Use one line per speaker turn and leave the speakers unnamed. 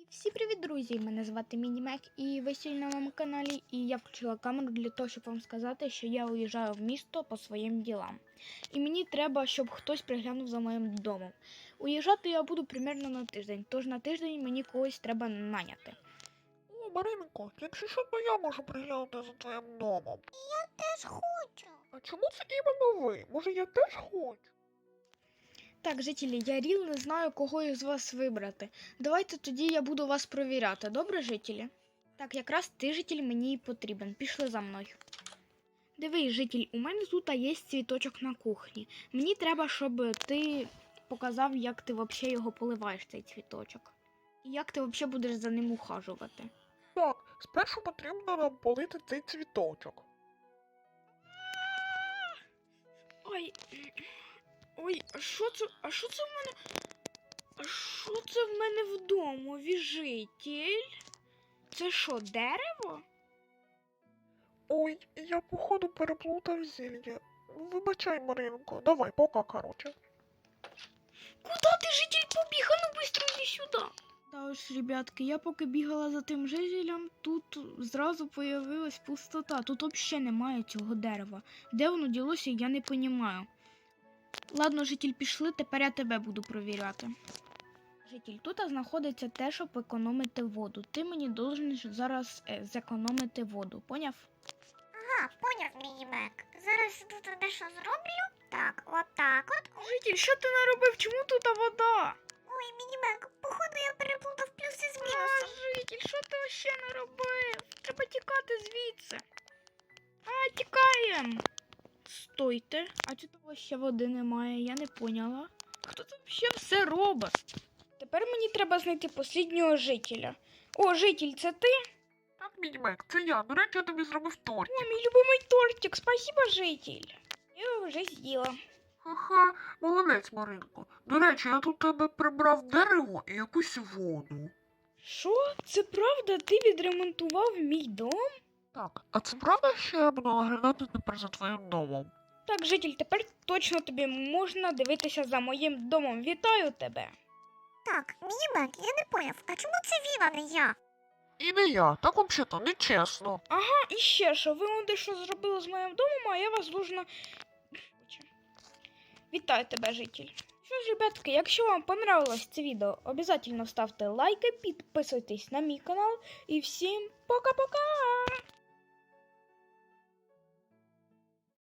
Всім привіт, друзі! Мене звати Мінімек і ви сьогодні на моєму каналі. І я включила камеру для того, щоб вам сказати, що я уїжджаю в місто по своїм ділам. І мені треба, щоб хтось приглянув за моїм домом. Уїжджати я буду примерно на тиждень, тож на тиждень мені когось треба наняти.
О, Маринко, якщо що, то я можу приглянути за твоїм домом.
Я теж хочу.
А чому це іменно ви? Може, я теж хочу?
Так, жителі, я ріл не знаю, кого із вас вибрати. Давайте тоді я буду вас провіряти, добре, жителі? Так, якраз ти, житель, мені і потрібен. Пішли за мною. Дивись, житель, у мене тут є цвіточок на кухні. Мені треба, щоб ти показав, як ти взагалі його поливаєш, цей цвіточок. І як ти взагалі будеш за ним ухажувати.
Так, спершу потрібно нам полити цей цвіточок.
Ой, а що це в мене? А що це в мене вдома, житель? Це що, дерево?
Ой, я походу переплутав зілля. Вибачай, Маринко, давай, пока, короче.
Куда ти, житель, побіг? А ну быстро іди сюди. Та ось, ребятки, я поки бігала за тим жителем, тут зразу появилась пустота. Тут взагалі немає цього дерева. Де воно ділося, я не розумію. Ладно, житель, пішли, тепер я тебе буду провіряти. Житель, тут знаходиться те, щоб економити воду. Ти мені должен зараз зекономити воду, поняв?
Ага, поняв, Мінімек. Зараз тут дещо зроблю. Так, отак от.
Житель, що ти наробив? Чому тут вода?
Ой, Мінімек, походу я переплутав плюси з
А,
мінусом.
житель, що ти ще наробив? Треба тікати звідси. А, тікаєм. Стойте, а чи того ще води немає? Я не поняла. Хто тут ще все робить? Тепер мені треба знайти посліднього жителя. О, житель, це ти?
Так, Мінімек, це я. До речі, я тобі зробив торт.
О, мій любимий тортик, спасибо, житель. Я його вже з'їла.
Ха-ха, молодець, Маринко. До речі, я тут тебе прибрав дерево і якусь воду.
Що? Це правда? Ти відремонтував мій дом?
Так, а це правда, що я буду наглядати тепер за твоїм домом?
Так, житель, тепер точно тобі можна дивитися за моїм домом. Вітаю тебе.
Так, Мінімек, я не поняв, а чому це він, а не я?
І не я, так взагалі нечесно.
Ага, і ще що, ви он дещо зробили з моїм домом, а я вас должна... Вітаю тебе, житель. Що ж, ребятки, якщо вам понравилось це відео, обов'язково ставте лайки, підписуйтесь на мій канал і всім пока-пока!